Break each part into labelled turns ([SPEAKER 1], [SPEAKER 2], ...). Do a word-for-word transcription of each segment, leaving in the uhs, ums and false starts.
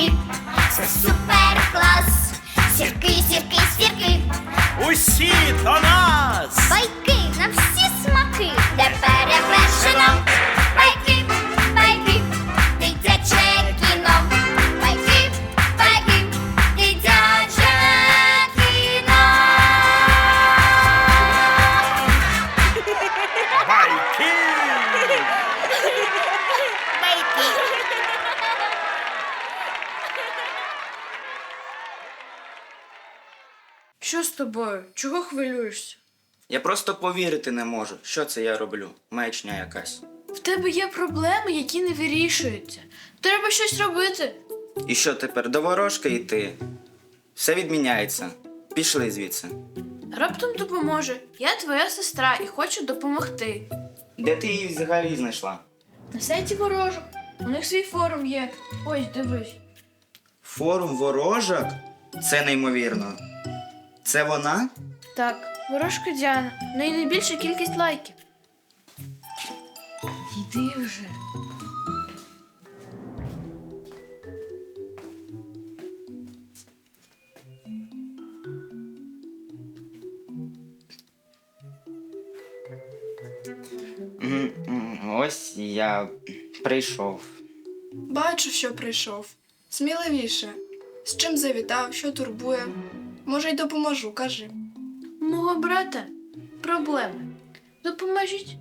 [SPEAKER 1] сірки, це супер клас. Сірки, сірки, сірки,
[SPEAKER 2] Усі до нас!
[SPEAKER 1] байки на всі смаки, де перевершено. Байки, байки, дитяче кіно. Байки, байки, дитяче кіно.
[SPEAKER 2] Байки!
[SPEAKER 3] Що з тобою? Чого хвилюєшся?
[SPEAKER 4] Я просто повірити не можу, що це я роблю. Маячня якась.
[SPEAKER 3] В тебе є проблеми, які не вирішуються. Треба щось робити.
[SPEAKER 4] І що тепер, до ворожки йти? Все відміняється. Пішли звідси.
[SPEAKER 3] Раптом допоможе. Я твоя сестра і хочу допомогти.
[SPEAKER 4] Де ти її взагалі знайшла?
[SPEAKER 3] На сайті ворожок. У них свій форум є. Ось, дивись.
[SPEAKER 4] Форум ворожок? Це неймовірно. Це вона?
[SPEAKER 3] Так, ворожка Діана. В неї найбільша кількість лайків. Йди вже.
[SPEAKER 4] М, м, Ось я прийшов.
[SPEAKER 5] Бачу, що прийшов. Сміливіше. З чим завітав, що турбує. Може, й допоможу, кажи.
[SPEAKER 3] У мого брата проблеми. Допоможіть.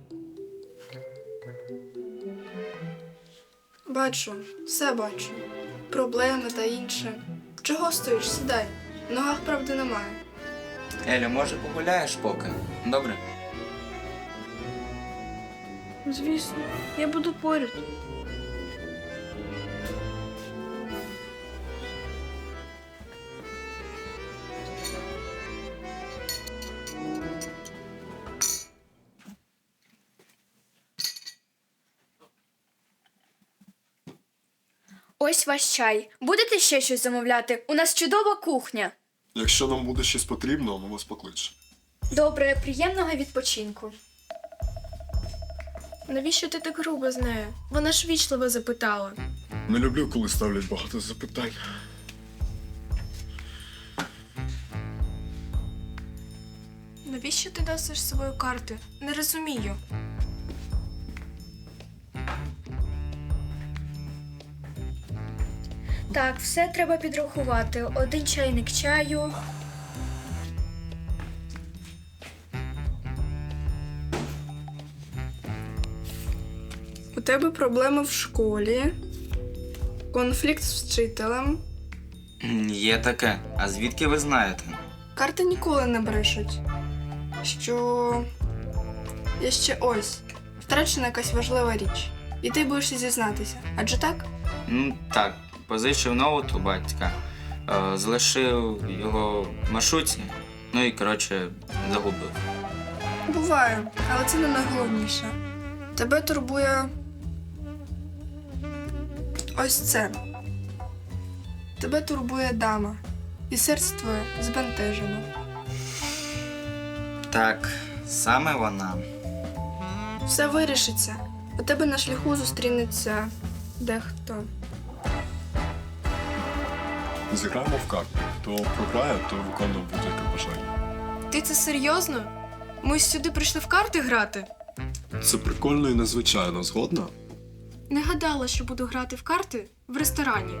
[SPEAKER 5] Бачу, все бачу. Проблеми та інше. Чого стоїш? Сідай. В ногах правди немає.
[SPEAKER 4] Елю, може погуляєш поки? Добре?
[SPEAKER 3] Звісно, я буду поряд.
[SPEAKER 6] Ось ваш чай. Будете ще щось замовляти? У нас чудова кухня.
[SPEAKER 7] Якщо нам буде щось потрібно, ми вас покличемо.
[SPEAKER 6] Добре, приємного відпочинку.
[SPEAKER 5] Навіщо ти так грубо з нею? Вона ж вічливо запитала.
[SPEAKER 7] Не люблю, коли ставлять багато запитань.
[SPEAKER 5] Навіщо ти носиш з собою карти? Не розумію.
[SPEAKER 6] Так, все треба підрахувати. Один чайник чаю.
[SPEAKER 5] У тебе проблеми в школі, конфлікт з вчителем.
[SPEAKER 4] М, Є таке. А звідки ви знаєте?
[SPEAKER 5] Карти ніколи не брешуть. Що є ще ось втрачена якась важлива річ. І ти боїшся зізнатися. Адже так?
[SPEAKER 4] Ну так, позичив ноут у батька, е, залишив його в маршрутці, ну і коротше загубив.
[SPEAKER 5] Буває, але це не найголовніше. Тебе турбує ось це. Тебе турбує дама. І серце твоє збентежено.
[SPEAKER 4] Так, саме вона.
[SPEAKER 5] Все вирішиться. У тебе на шляху зустрінеться дехто.
[SPEAKER 7] Зіграємо в карти. Хто програє, то виконує будь-яке бажання.
[SPEAKER 5] Ти це серйозно? Ми сюди прийшли в карти грати?
[SPEAKER 7] Це прикольно і незвичайно, згодна?
[SPEAKER 5] Не гадала, що буду грати в карти в ресторані.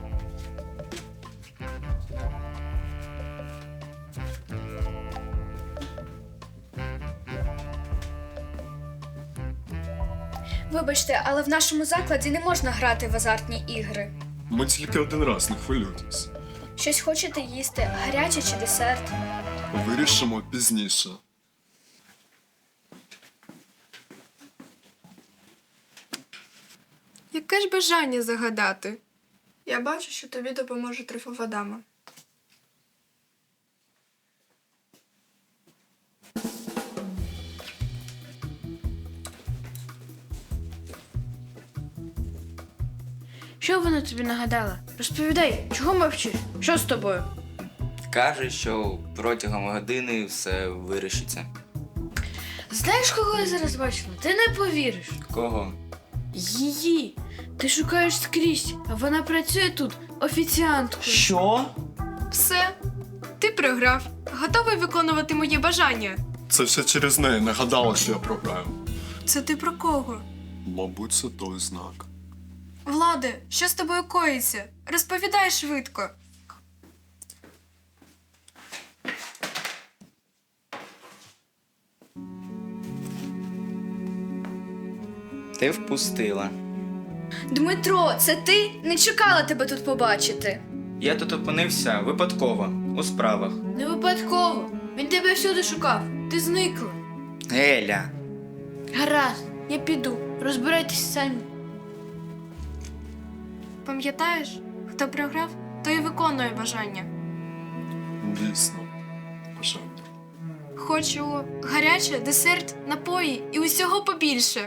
[SPEAKER 6] Вибачте, але в нашому закладі не можна грати в азартні ігри.
[SPEAKER 7] Ми тільки один раз, не хвилюйтесь.
[SPEAKER 6] Щось хочете їсти? Гаряче чи десерт?
[SPEAKER 7] Вирішимо пізніше.
[SPEAKER 5] Яке ж бажання загадати? Я бачу, що тобі допоможе трифова дама.
[SPEAKER 3] Що вона тобі нагадала? Розповідай, чого мовчиш? Що з тобою?
[SPEAKER 4] Каже, що протягом години все вирішиться.
[SPEAKER 3] Знаєш, кого я зараз бачила? Ти не повіриш.
[SPEAKER 4] Кого?
[SPEAKER 3] Її. Ти шукаєш скрізь, а вона працює тут офіціанткою.
[SPEAKER 2] Що?
[SPEAKER 8] Все. Ти програв. Готовий виконувати моє бажання.
[SPEAKER 7] Це все через неї нагадала, що я програю.
[SPEAKER 8] Це ти про кого?
[SPEAKER 7] Мабуть, це той знак.
[SPEAKER 8] Владе, що з тобою коїться? Розповідай швидко.
[SPEAKER 4] Ти впустила.
[SPEAKER 6] Дмитро, це ти? Не чекала тебе тут побачити.
[SPEAKER 4] Я тут опинився випадково, у справах.
[SPEAKER 3] Не випадково. Він тебе всюди шукав. Ти зникла.
[SPEAKER 4] Геля,
[SPEAKER 3] Гаразд, я піду. Розбирайтесь самі.
[SPEAKER 8] Пам'ятаєш, хто програв, той і виконує бажання.
[SPEAKER 7] Дійсно. Бажання.
[SPEAKER 8] Хочу гаряче, десерт, напої і усього побільше.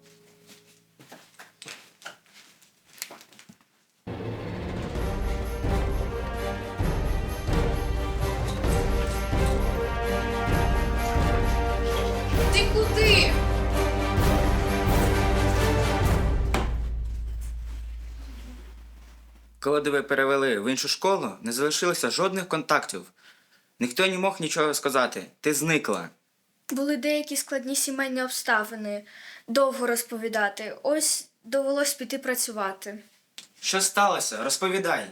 [SPEAKER 3] Ти куди?
[SPEAKER 4] коли тебе перевели в іншу школу, не залишилося жодних контактів. Ніхто не мог нічого сказати. Ти зникла.
[SPEAKER 6] Були деякі складні сімейні обставини. Довго розповідати. Ось довелось піти працювати.
[SPEAKER 4] Що сталося? Розповідай.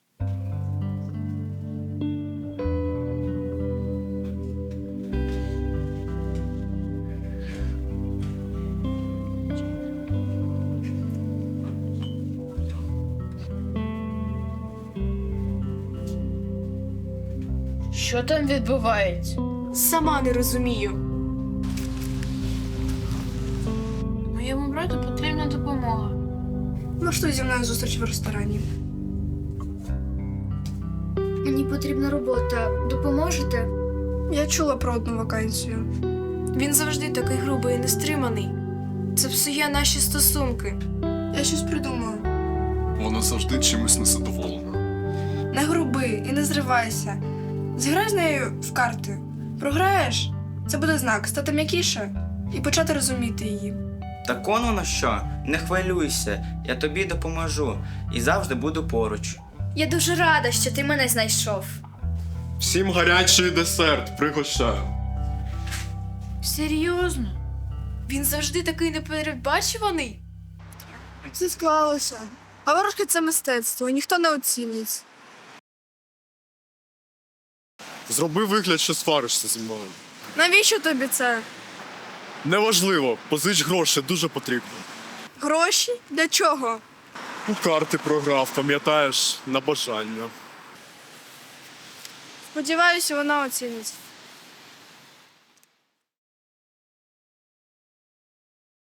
[SPEAKER 3] Що там відбувається?
[SPEAKER 8] Сама не розумію.
[SPEAKER 3] Моєму брату потрібна допомога.
[SPEAKER 5] Влаштуй зі мною зустріч в ресторані.
[SPEAKER 6] Мені потрібна робота. Допоможете?
[SPEAKER 5] Я чула про одну вакансію.
[SPEAKER 8] Він завжди такий грубий і нестриманий. Це псує наші стосунки.
[SPEAKER 5] Я щось придумала.
[SPEAKER 7] Вона завжди чимось незадоволена.
[SPEAKER 5] Не груби і не зривайся. Зіграй з нею в карти. Програєш? Це буде знак стати м'якіше і почати розуміти її.
[SPEAKER 4] Так он воно що? Не хвилюйся, я тобі допоможу і завжди буду поруч.
[SPEAKER 6] Я дуже рада, що ти мене знайшов.
[SPEAKER 7] Всім гарячий десерт, пригощаю.
[SPEAKER 3] Серйозно?
[SPEAKER 8] Він завжди такий непередбачуваний.
[SPEAKER 5] Все склалося. А ворожки це мистецтво, і ніхто не оцінить.
[SPEAKER 7] Зроби вигляд, що сваришся зі мною.
[SPEAKER 5] Навіщо тобі це?
[SPEAKER 7] Неважливо, позич гроші, дуже потрібно.
[SPEAKER 5] Гроші? Для чого?
[SPEAKER 7] У карти програв, пам'ятаєш, на бажання.
[SPEAKER 5] Сподіваюся, вона оцінить.